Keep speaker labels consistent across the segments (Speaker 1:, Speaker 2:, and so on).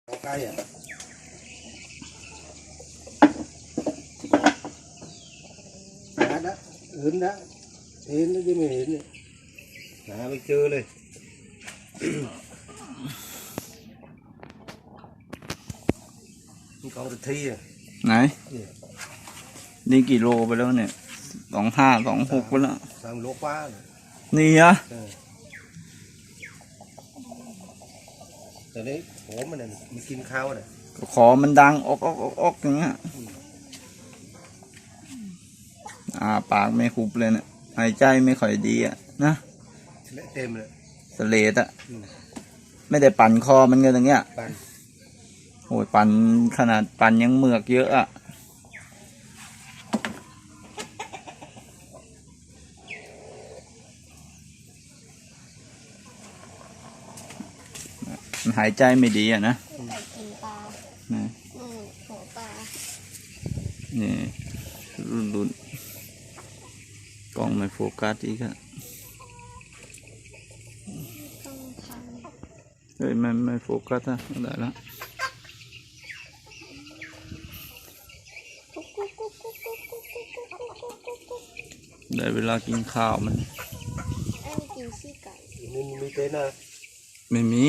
Speaker 1: ใกล้อ่ะหานะเห็นนะเห็นแล้วยังไม่เห็นเนี่ยหาไม่เจอเลยนี่กองตะทีอ่ะ
Speaker 2: ไหนนี่กี่โลไปแล้วเนี่ย25 26ไปแล้ว
Speaker 1: 3 โลกว่า
Speaker 2: นี่อะ
Speaker 1: แต่นี้โหมันเนี่ยมันกินข้าวน่ะ
Speaker 2: ขอมันดังออกอย่างเงี้ยปากไม่คุบเลยเนี่ยหายใจไม่ค่อยดีอ่ะนะ
Speaker 1: เต็มเลย
Speaker 2: สเลดอ่ะไม่ได้ปั่นคอมันกันอย่างเงี้ยโอ้ยปั่นขนาดปั่นยังเหมือกเยอะอ่ะมันหายใจไม่ดีอ่ะนะ
Speaker 3: กินปลาหัวปลา
Speaker 2: นี่รุ่นกล้องไม่โฟกัสอีกอะ
Speaker 3: ต้องพัน
Speaker 2: เฮ้ยไม่โฟกัสอะได้แล้วได้เวลากินข้าวมัน
Speaker 3: กินขี้ไก่
Speaker 1: มีเต้นนะ
Speaker 2: ไม่มี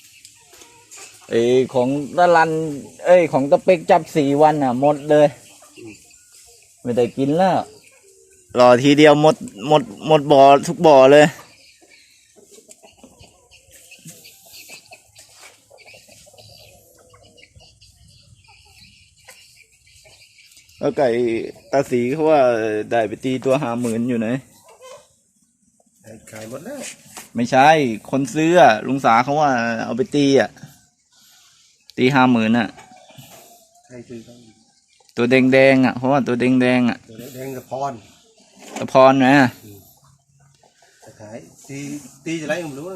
Speaker 2: ของตะลันของตะเป็กจับ4 วันอ่ะหมดเลยไม่ได้กินแล้วรอทีเดียวหมดบ่อทุกบ่อเลยแล้วไก่ตาสีเขาว่าได้ไปตีตัว50,000อยู่ไหน
Speaker 1: ขายหมดแล้ว
Speaker 2: ไม่ใช่คนซื้อลุงสาเขาว่าเอาไปตีตี50,000อ่ะ
Speaker 1: ใครซื้อเขา
Speaker 2: ตัวแดงอ่ะเพราะว่าตัวแดง
Speaker 1: ตัวแดงกับ
Speaker 2: พรไหม
Speaker 1: จะขายตีจะไรผมรู้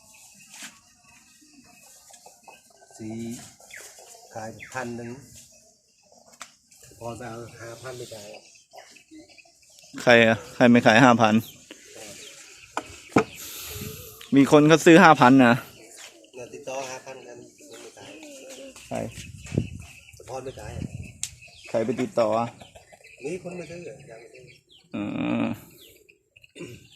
Speaker 1: สีขาย1,000พรไปเอา5,000ไม่จ่าย
Speaker 2: ใครไม่ขาย5,000มีคนเขาซื้อ5,000นะ
Speaker 1: ติดต่อ5,000กันไม่จ่าย
Speaker 2: ใคร
Speaker 1: พรไม่จ่าย
Speaker 2: ใครไปติดต่อ
Speaker 1: นี่คนไม่ซื้อยังไม่ซื้อ